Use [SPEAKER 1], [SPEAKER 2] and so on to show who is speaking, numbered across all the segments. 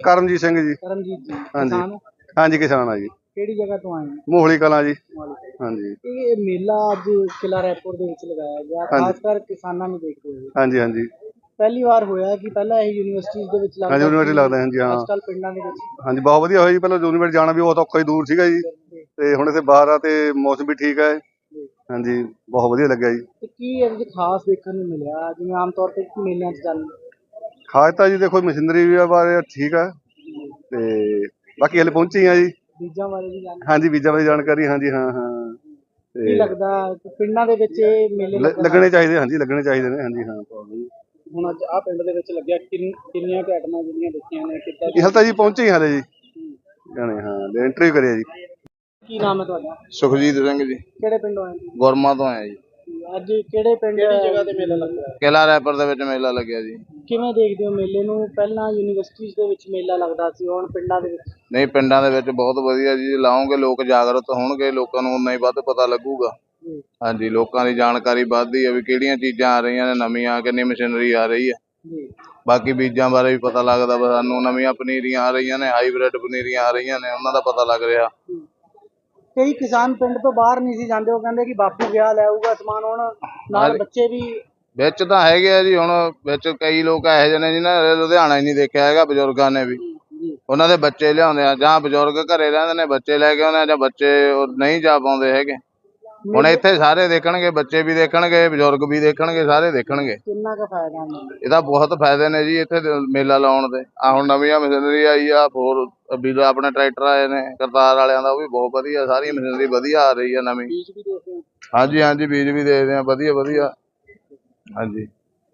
[SPEAKER 1] ਕਰਮਜੀਤ ਸਿੰਘ ਜੀ।
[SPEAKER 2] ਕਰਮਜੀਤ जी
[SPEAKER 1] हाँ जी।
[SPEAKER 2] किसान हो?
[SPEAKER 1] हाँ जी किसान है जी।
[SPEAKER 2] ਕਿਹੜੀ ਜਗ੍ਹਾ ਤੋਂ ਆਏ ਹੋ?
[SPEAKER 1] ਮੋਹਲੀ ਕਲਾਂ ਜੀ।
[SPEAKER 2] ਮੋਹਾਲੀ।
[SPEAKER 1] हाँ जी।
[SPEAKER 2] ਇਹ ਮੇਲਾ ਅੱਜ ਕਿਲਾ ਰਾਏਪੁਰ ਦੇ ਵਿੱਚ ਲਗਾਇਆ ਗਿਆ,
[SPEAKER 1] ਹਾਂਜੀ।
[SPEAKER 2] ਖਾਸ ਕਰ ਕਿਸਾਨਾਂ ਨੂੰ ਦੇਖਦੇ ਹੋਏ।
[SPEAKER 1] हाँ जी हाँ जी।
[SPEAKER 2] ਪਹਿਲੀ ਵਾਰ ਹੋਇਆ ਕਿ ਪਹਿਲਾਂ ਇਹ ਯੂਨੀਵਰਸਿਟੀਜ਼ ਦੇ ਵਿੱਚ
[SPEAKER 1] हाँ
[SPEAKER 2] ਲੱਗਦਾ
[SPEAKER 1] जी यूनिवर्सिटी लगता है जी। हाँ
[SPEAKER 2] ਅੱਜ ਕੱਲ੍ਹ ਪਿੰਡਾਂ ਦੇ ਵਿੱਚ
[SPEAKER 1] हाँ जी बहुत ਵਧੀਆ ਹੋਇਆ ਜੀ। ਪਹਿਲਾਂ यूनिवर्सिटी ਜਾਣਾ ਵੀ ਬਹੁਤ ਔਖਾ ਹੀ ਦੂਰ ਸੀਗਾ ਜੀ, ਤੇ ਹੁਣ ਇੱਥੇ ਬਾਹਰ ਆ ਤੇ ਮੌਸਮ ਵੀ ਠੀਕ ਹੈ। हाँ जी ਬਹੁਤ ਵਧੀਆ ਲੱਗਿਆ ਜੀ।
[SPEAKER 2] ਤੇ ਕੀ ਇਹਦੇ ਵਿੱਚ ਖਾਸ ਦੇਖਣ ਨੂੰ ਮਿਲਿਆ ਜਿਵੇਂ ਆਮ ਤੌਰ ਤੇ ਮੇਲਿਆਂ 'ਚ ਜਾਂਦੇ?
[SPEAKER 1] ਖਾਸ ਤਾਂ ਜੀ ਦੇਖੋ ਮਸ਼ੀਨਰੀ ਵੀ ਬਾਰੇ ਠੀਕ ਹੈ, ਤੇ ਬਾਕੀ ਹਲੇ ਪਹੁੰਚੇ ਆ ਜੀ।
[SPEAKER 2] ਬੀਜਾਂ ਬਾਰੇ ਵੀ ਜਾਣਦੇ?
[SPEAKER 1] हाँ जी ਬੀਜਾਂ ਬਾਰੇ ਜਾਣਕਾਰੀ। हाँ जी हाँ हाँ।
[SPEAKER 2] ਕੀ ਲੱਗਦਾ ਕਿ ਪਿੰਡਾਂ ਦੇ ਵਿੱਚ ਇਹ ਮੇਲੇ
[SPEAKER 1] ਲੱਗਣੇ ਚਾਹੀਦੇ। हाँ जी ਲੱਗਣੇ ਚਾਹੀਦੇ ਨੇ। हाँ जी हाँ।
[SPEAKER 2] ਹੁਣ ਅੱਜ ਆਹ ਪਿੰਡ ਦੇ ਵਿੱਚ ਲੱਗਿਆ, ਕਿੰਨੀਆਂ ਕੁ ਆਈਟਮਾਂ ਜਿਹੜੀਆਂ ਦੇਖੀਆਂ ਨੇ ਕਿੱਦਾਂ
[SPEAKER 1] ਇਹ ਹਾਲੇ ਤਾਂ ਜੀ ਪਹੁੰਚੇ ਹੀ ਹਾਲੇ ਜੀ ਜਾਣੇ। ਹਾਂ ਇੰਟਰਵਿਊ ਕਰਿਆ ਜੀ।
[SPEAKER 2] ਕੀ ਨਾਮ ਹੈ ਤੁਹਾਡਾ?
[SPEAKER 3] ਸੁਖਜੀਤ ਸਿੰਘ ਜੀ,
[SPEAKER 2] ਕਿਹੜੇ ਪਿੰਡੋਂ ਆਏ ਜੀ?
[SPEAKER 3] ਗੁਰਮਾ ਤੋਂ ਆਇਆ ਜੀ।
[SPEAKER 2] ਅੱਜ ਕਿਹੜੇ ਪਿੰਡ ਕਿਹੜੀ ਜਗ੍ਹਾ ਤੇ ਮੇਲਾ ਲੱਗਿਆ?
[SPEAKER 3] ਕਿਲਾ ਰਾਏਪੁਰ ਦੇ ਵਿੱਚ ਮੇਲਾ ਲੱਗਿਆ ਜੀ।
[SPEAKER 2] ਕਿਵੇਂ ਦੇਖਦੇ ਹੋ ਮੇਲੇ ਨੂੰ? ਪਹਿਲਾਂ ਯੂਨੀਵਰਸਿਟੀਜ਼ ਦੇ ਵਿੱਚ ਮੇਲਾ ਲੱਗਦਾ ਸੀ, ਹੁਣ ਪਿੰਡਾਂ ਦੇ ਵਿੱਚ?
[SPEAKER 3] ਨਹੀਂ, ਪਿੰਡਾਂ ਦੇ ਵਿੱਚ ਬਹੁਤ ਵਧੀਆ ਜੀ। ਲਾਉਂਗੇ ਲੋਕ ਜਾਗਰੂਕ ਹੋਣਗੇ, ਲੋਕਾਂ ਨੂੰ ਉਨਾ ਹੀ ਵੱਧ ਪਤਾ ਲੱਗੂਗਾ। ਹਾਂਜੀ, ਲੋਕਾਂ ਦੀ ਜਾਣਕਾਰੀ ਵੱਧਦੀ ਹੈ ਵੀ ਕਿਹੜੀਆਂ ਚੀਜ਼ਾਂ ਆ ਰਹੀਆਂ ਨੇ ਨਵੀਆਂ, ਕਿੰਨੀ ਮਸ਼ੀਨਰੀ ਆ ਰਹੀ ਹੈ। ਬਾਕੀ ਬੀਜਾਂ ਬਾਰੇ ਵੀ ਪਤਾ ਲੱਗਦਾ ਵਾ ਸਾਨੂੰ, ਨਵੀਆਂ ਪਨੀਰੀਆਂ ਆ ਰਹੀਆਂ ਨੇ, ਹਾਈਬ੍ਰਿਡ ਪਨੀਰੀਆਂ ਆ ਰਹੀਆਂ ਨੇ, ਉਹਨਾਂ ਦਾ ਪਤਾ ਲੱਗ ਰਿਹਾ।
[SPEAKER 2] ਕਈ ਕਿਸਾਨ ਪਿੰਡ ਤੋਂ ਬਾਹਰ ਨਹੀਂ ਸੀ ਜਾਂਦੇ, ਉਹ ਕਹਿੰਦੇ ਕਿ ਬਾਪੂ ਗਿਆ ਲੈ ਆਊਗਾ ਸਮਾਨ, ਹੁਣ ਨਾਲ ਬੱਚੇ ਵੀ
[SPEAKER 3] ਵਿੱਚ ਤਾਂ ਹੈਗੇ ਆ ਜੀ। ਹੁਣ ਵਿੱਚ ਕਈ ਲੋਕ ਇਹੋ ਜਿਹੇ ਨੇ ਜਿਹਨਾਂ ਨੇ ਲੁਧਿਆਣਾ ਹੀ ਨਹੀਂ ਦੇਖਿਆ ਹੈਗਾ, ਬਜ਼ੁਰਗਾਂ ਨੇ ਵੀ। ਉਹਨਾਂ ਦੇ ਬੱਚੇ ਲਿਆਉਂਦੇ ਆ, ਜਾਂ ਬਜ਼ੁਰਗ ਘਰੇ ਰਹਿੰਦੇ ਨੇ ਬੱਚੇ ਲੈ ਕੇ ਆਉਂਦੇ ਆ, ਜਾਂ ਬੱਚੇ ਨਹੀਂ ਜਾ ਪਾਉਂਦੇ ਹੈਗੇ। ਹੁਣ ਇੱਥੇ ਸਾਰੇ ਦੇਖਣਗੇ, ਬੱਚੇ ਵੀ ਦੇਖਣਗੇ, ਬਜ਼ੁਰਗ ਵੀ ਦੇਖਣਗੇ, ਸਾਰੇ ਦੇਖਣਗੇ।
[SPEAKER 2] ਕਿੰਨਾ ਕੁ ਫਾਇਦਾ
[SPEAKER 3] ਇਹਦਾ ਬਹੁਤ ਫਾਇਦੇ ਨੇ ਜੀ ਇੱਥੇ ਮੇਲਾ ਲਾਉਣ ਦੇ। ਆ ਹੁਣ ਨਵੀਆਂ ਮਸ਼ੀਨਰੀ ਆਈ ਆ, ਹੋਰ ਵੀ ਆਪਣੇ ਟਰੈਕਟਰ ਆਏ ਨੇ ਕਰਤਾਰ ਵਾਲਿਆਂ ਦਾ, ਉਹ ਵੀ ਬਹੁਤ ਵਧੀਆ। ਸਾਰੀ ਮਸ਼ੀਨਰੀ ਵਧੀਆ ਆ ਰਹੀ ਆ ਨਵੀਂ।
[SPEAKER 2] ਬੀਜ ਵੀ ਦੇਖਦੇ?
[SPEAKER 3] ਹਾਂਜੀ ਹਾਂਜੀ, ਬੀਜ ਵੀ ਦੇਖਦੇ ਆ ਵਧੀਆ ਵਧੀਆ। ਹਾਂਜੀ,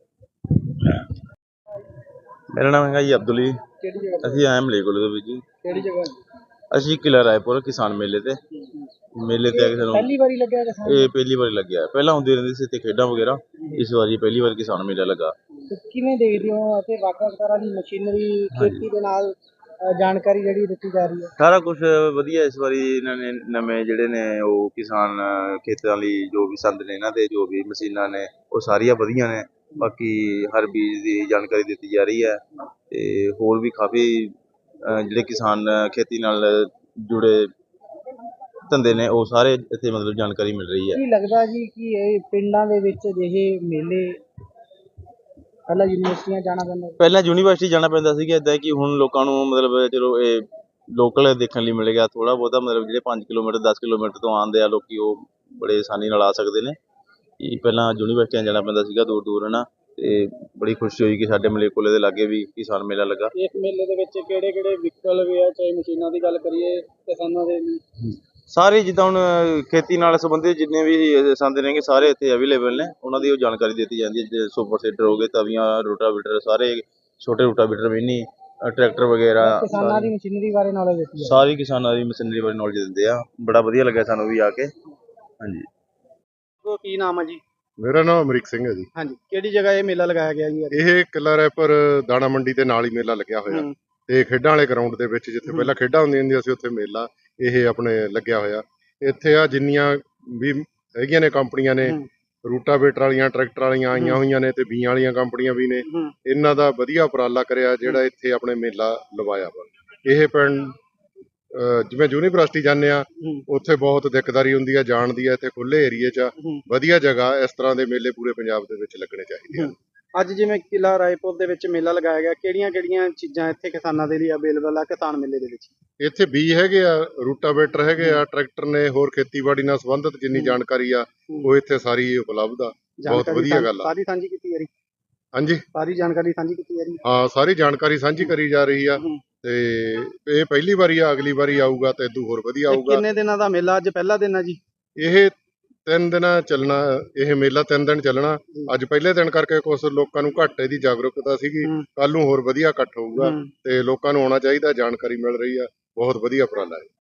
[SPEAKER 4] ਮੇਰਾ ਨਾਮ ਹੈਗਾ ਜੀ ਅਬਦੁਲ ਜੀ।
[SPEAKER 2] ਕਿਹੜੀ ਜਗ੍ਹਾ?
[SPEAKER 4] ਅਸੀਂ ਆਏ ਮਲੇਕੋਲੇ ਤੋਂ ਜੀ।
[SPEAKER 2] ਕਿਹੜੀ ਜਗ੍ਹਾ?
[SPEAKER 4] ਅਸੀਂ ਕਿਲਾ ਰਾਏਪੁਰ ਕਿਸਾਨ ਮੇਲੇ ਤੇ ਆ ਕੇ ਸਾਨੂੰ
[SPEAKER 2] ਪਹਿਲੀ ਵਾਰੀ ਲੱਗਿਆ ਕਿਸਾਨ?
[SPEAKER 4] ਇਹ ਪਹਿਲੀ ਵਾਰੀ ਲੱਗਿਆ। ਪਹਿਲਾਂ ਹੁੰਦੀ ਰਹਿੰਦੀ ਸੀ ਇੱਥੇ ਖੇਡਾਂ ਵਗੈਰਾ, ਇਸ ਵਾਰੀ ਪਹਿਲੀ ਵਾਰ ਕਿਸਾਨ ਮੇਲਾ ਲੱਗਾ।
[SPEAKER 2] ਕਿਵੇਂ ਦੇਖਦੇ ਹੋ ਅਤੇ ਵੱਖ-ਵੱਖ ਤਰ੍ਹਾਂ ਦੀ ਮਸ਼ੀਨਰੀ, ਖੇਤੀ ਦੇ ਨਾਲ ਜਾਣਕਾਰੀ ਜਿਹੜੀ ਦਿੱਤੀ ਜਾ ਰਹੀ ਹੈ?
[SPEAKER 4] ਸਾਰਾ ਕੁਝ ਵਧੀਆ। ਇਸ ਵਾਰੀ ਇਹਨਾਂ ਨੇ ਨਵੇਂ ਜਿਹੜੇ ਨੇ ਉਹ ਕਿਸਾਨ ਖੇਤਾਂ ਲਈ ਜੋ ਵੀ ਸੰਦ ਨੇ, ਇਹਨਾਂ ਦੇ ਜੋ ਵੀ ਮਸ਼ੀਨਾਂ ਨੇ ਉਹ ਸਾਰੀਆਂ ਵਧੀਆ ਨੇ। ਬਾਕੀ ਹਰ ਬੀਜ ਦੀ ਜਾਣਕਾਰੀ ਦਿੱਤੀ ਜਾ ਰਹੀ ਹੈ, ਤੇ ਹੋਰ ਵੀ ਕਾਫੀ ਜਿਹੜੇ ਕਿਸਾਨ ਖੇਤੀ ਨਾਲ ਜੁੜੇ ਧੰਦੇ ਨੇ ਉਹ ਸਾਰੇ ਇੱਥੇ ਮਤਲਬ ਜਾਣਕਾਰੀ ਮਿਲ ਰਹੀ ਹੈ।
[SPEAKER 2] ਕੀ ਲੱਗਦਾ ਜੀ ਕਿ ਇਹ ਪਿੰਡਾਂ ਦੇ ਵਿੱਚ ਅਜਿਹੇ ਮੇਲੇ ਪਹਿਲਾਂ ਯੂਨੀਵਰਸਿਟੀਆਂ ਜਾਣਾ ਪੈਂਦਾ?
[SPEAKER 4] ਪਹਿਲਾਂ ਯੂਨੀਵਰਸਿਟੀ ਜਾਣਾ ਪੈਂਦਾ ਸੀਗਾ। ਇੱਦਾਂ ਕਿ ਹੁਣ ਲੋਕਾਂ ਨੂੰ ਮਤਲਬ ਚਲੋ ਇਹ ਲੋਕਲ ਦੇਖਣ ਲਈ ਮਿਲ ਗਿਆ ਥੋੜ੍ਹਾ ਬਹੁਤਾ। ਮਤਲਬ ਜਿਹੜੇ 5 ਕਿਲੋਮੀਟਰ 10 ਕਿਲੋਮੀਟਰ ਤੋਂ ਆਉਂਦੇ ਆ ਲੋਕੀ, ਉਹ ਬੜੇ ਆਸਾਨੀ ਨਾਲ ਆ ਸਕਦੇ ਨੇ। ਕਿ ਪਹਿਲਾਂ ਯੂਨੀਵਰਸਿਟੀਆਂ ਜਾਣਾ ਪੈਂਦਾ ਸੀਗਾ ਦੂਰ ਦੂਰ, ਹੈ ਨਾ। ਤੇ ਬੜੀ ਖੁਸ਼ੀ ਹੋਈ ਕਿ ਸਾਡੇ ਮਲੇਕੋਲੇ ਦੇ ਲਾਗੇ ਵੀ ਕਿਸਾਨ ਮੇਲਾ ਲੱਗਾ।
[SPEAKER 2] ਇਸ ਮੇਲੇ ਦੇ ਵਿੱਚ ਕਿਹੜੇ ਕਿਹੜੇ ਵਹੀਕਲ ਵੀ ਆ, ਚਾਹੇ ਮਸ਼ੀਨਾਂ ਦੀ ਗੱਲ ਕਰੀਏ ਕਿਸਾਨਾਂ ਦੇ ਲਈ?
[SPEAKER 4] ਸਾਰੇ ਜਿੱਦਾਂ ਹੁਣ ਖੇਤੀ ਨਾਲ ਸੰਬੰਧਿਤ ਜਿੰਨੇ ਵੀ ਸੰਦ ਨੇਗੇ ਸਾਰੇ ਇੱਥੇ ਅਵੇਲੇਬਲ ਨੇ। ਉਹਨਾਂ ਦੀ ਉਹ ਜਾਣਕਾਰੀ ਦਿੱਤੀ ਜਾਂਦੀ ਹੈ। ਜਿਵੇਂ ਸੁਪਰ ਸੀਡਰ ਹੋ ਗਏ, ਤਵੀਆਂ, ਰੋਟਾਵੀਟਰ, ਸਾਰੇ ਛੋਟੇ ਰੋਟਾਵੀਟਰ, ਮਿੰਨੀ ਟਰੈਕਟਰ ਵਗੈਰਾ,
[SPEAKER 2] ਕਿਸਾਨਾਂ ਦੀ ਮਸ਼ੀਨਰੀ ਬਾਰੇ ਨੌਲੇਜ ਦਿੱਤੀ ਹੈ।
[SPEAKER 4] ਸਾਰੀ ਕਿਸਾਨਾਂ ਦੀ ਮਸ਼ੀਨਰੀ ਬਾਰੇ ਨੌਲੇਜ ਦਿੰਦੇ ਆ। ਬੜਾ ਵਧੀਆ ਲੱਗਿਆ ਸਾਨੂੰ ਵੀ ਆ ਕੇ। ਹਾਂਜੀ।
[SPEAKER 2] ਕੀ ਨਾਮ ਹੈ ਜੀ?
[SPEAKER 5] ਮੇਰਾ ਨਾਮ ਅਮਰੀਕ ਸਿੰਘ ਹੈ ਜੀ।
[SPEAKER 2] ਹਾਂਜੀ, ਕਿਹੜੀ ਜਗ੍ਹਾ ਇਹ ਮੇਲਾ ਲਗਾਇਆ ਗਿਆ ਜੀ?
[SPEAKER 5] ਇਹ ਕਿਲਾ ਰਾਏਪੁਰ ਦਾਣਾ ਮੰਡੀ ਦੇ ਨਾਲ ਹੀ ਮੇਲਾ ਲੱਗਿਆ ਹੋਇਆ, ਤੇ ਖੇਡਾਂ ਵਾਲੇ ਗਰਾਊਂਡ ਦੇ ਵਿੱਚ ਜਿੱਥੇ ਪਹਿਲਾਂ ਖੇਡਾਂ ਹੁੰਦੀਆਂ ਸੀ ਉੱਥੇ ਮੇਲਾ ਇਹ ਆਪਣੇ ਲੱਗਿਆ ਹੋਇਆ। ਇੱਥੇ ਆ ਜਿੰਨੀਆਂ ਵੀ ਹੈਗੀਆਂ ਨੇ ਕੰਪਨੀਆਂ ਨੇ, ਰੂਟਾਵੇਟਰ ਵਾਲੀਆਂ, ਟਰੈਕਟਰ ਵਾਲੀਆਂ ਆਈਆਂ ਹੋਈਆਂ ਨੇ, ਤੇ ਬੀਆਂ ਵਾਲੀਆਂ ਕੰਪਨੀਆਂ ਵੀ ਨੇ। ਇਹਨਾਂ ਦਾ ਵਧੀਆ ਉਪਰਾਲਾ ਕਰਿਆ ਜਿਹੜਾ ਇੱਥੇ ਆਪਣੇ ਮੇਲਾ ਲਵਾਇਆ ਵਾ। ਇਹ ਪਿੰਡ ਜਿਵੇਂ ਯੂਨੀਵਰਸਿਟੀ ਜਾਂਦੇ ਆ ਉੱਥੇ ਬਹੁਤ ਦਿੱਕਤਦਾਰੀ ਹੁੰਦੀ ਆ ਜਾਣ ਦੀ ਆ। ਇੱਥੇ ਖੁੱਲੇ ਏਰੀਏ 'ਚ ਵਧੀਆ ਜਗ੍ਹਾ, ਇਸ ਤਰ੍ਹਾਂ ਦੇ ਮੇਲੇ ਪੂਰੇ ਪੰਜਾਬ ਦੇ ਵਿੱਚ ਲੱਗਣੇ ਚਾਹੀਦੇ ਹਨ।
[SPEAKER 2] ਅੱਜ ਜਿਵੇਂ ਕਿਲਾ ਰਾਏਪੁਰ ਦੇ ਵਿੱਚ ਮੇਲਾ ਲਗਾਇਆ ਗਿਆ, ਕਿਹੜੀਆਂ-ਕਿਹੜੀਆਂ ਚੀਜ਼ਾਂ ਇੱਥੇ ਕਿਸਾਨਾਂ ਦੇ ਲਈ ਅਵੇਲੇਬਲ ਆ ਕਿਸਾਨ ਮੇਲੇ ਦੇ ਵਿੱਚ?
[SPEAKER 5] ਇੱਥੇ ਬੀਜ ਹੈਗੇ ਆ, ਰੂਟਾਵੇਟਰ ਹੈਗੇ ਆ, ਟਰੈਕਟਰ ਨੇ, ਹੋਰ ਖੇਤੀਬਾੜੀ ਨਾਲ ਸੰਬੰਧਿਤ ਜਿੰਨੀ ਜਾਣਕਾਰੀ ਆ ਉਹ ਇੱਥੇ ਸਾਰੀ ਉਪਲਬਧ ਆ। ਬਹੁਤ ਵਧੀਆ ਗੱਲ ਆ।
[SPEAKER 2] ਸਾਰੀ ਸਾਂਝੀ ਕੀਤੀ ਜਾ ਰਹੀ?
[SPEAKER 5] ਹਾਂਜੀ,
[SPEAKER 2] ਸਾਰੀ ਜਾਣਕਾਰੀ ਸਾਂਝੀ ਕੀਤੀ ਜਾ ਰਹੀ?
[SPEAKER 5] ਹਾਂ, ਸਾਰੀ ਜਾਣਕਾਰੀ ਸਾਂਝੀ ਕਰੀ ਜਾ ਰਹੀ ਆ। ਤੇ ਇਹ ਪਹਿਲੀ ਵਾਰੀ ਆ, ਅਗਲੀ ਵਾਰੀ ਆਊਗਾ ਤਾਂ ਇਦੋਂ ਹੋਰ ਵਧੀਆ ਆਊਗਾ।
[SPEAKER 2] ਕਿੰਨੇ ਦਿਨਾਂ ਦਾ ਮੇਲਾ? ਅੱਜ ਪਹਿਲਾ ਦਿਨ ਆ ਜੀ?
[SPEAKER 5] ਇਹ 3 ਦਿਨ ਚੱਲਣਾ। ਇਹ ਮੇਲਾ 3 ਦਿਨ ਚੱਲਣਾ। ਅੱਜ ਪਹਿਲੇ ਦਿਨ ਕਰਕੇ ਕੁਝ ਲੋਕਾਂ ਨੂੰ ਘੱਟ ਇਹਦੀ ਜਾਗਰੂਕਤਾ ਸੀਗੀ। ਕੱਲ ਨੂੰ ਹੋਰ ਵਧੀਆ ਇਕੱਠ ਹੋਊਗਾ ਤੇ ਲੋਕਾਂ ਨੂੰ ਆਉਣਾ ਚਾਹੀਦਾ। ਜਾਣਕਾਰੀ ਮਿਲ ਰਹੀ ਆ। ਬਹੁਤ ਵਧੀਆ ਉਪਰਾਲਾ ਹੈ।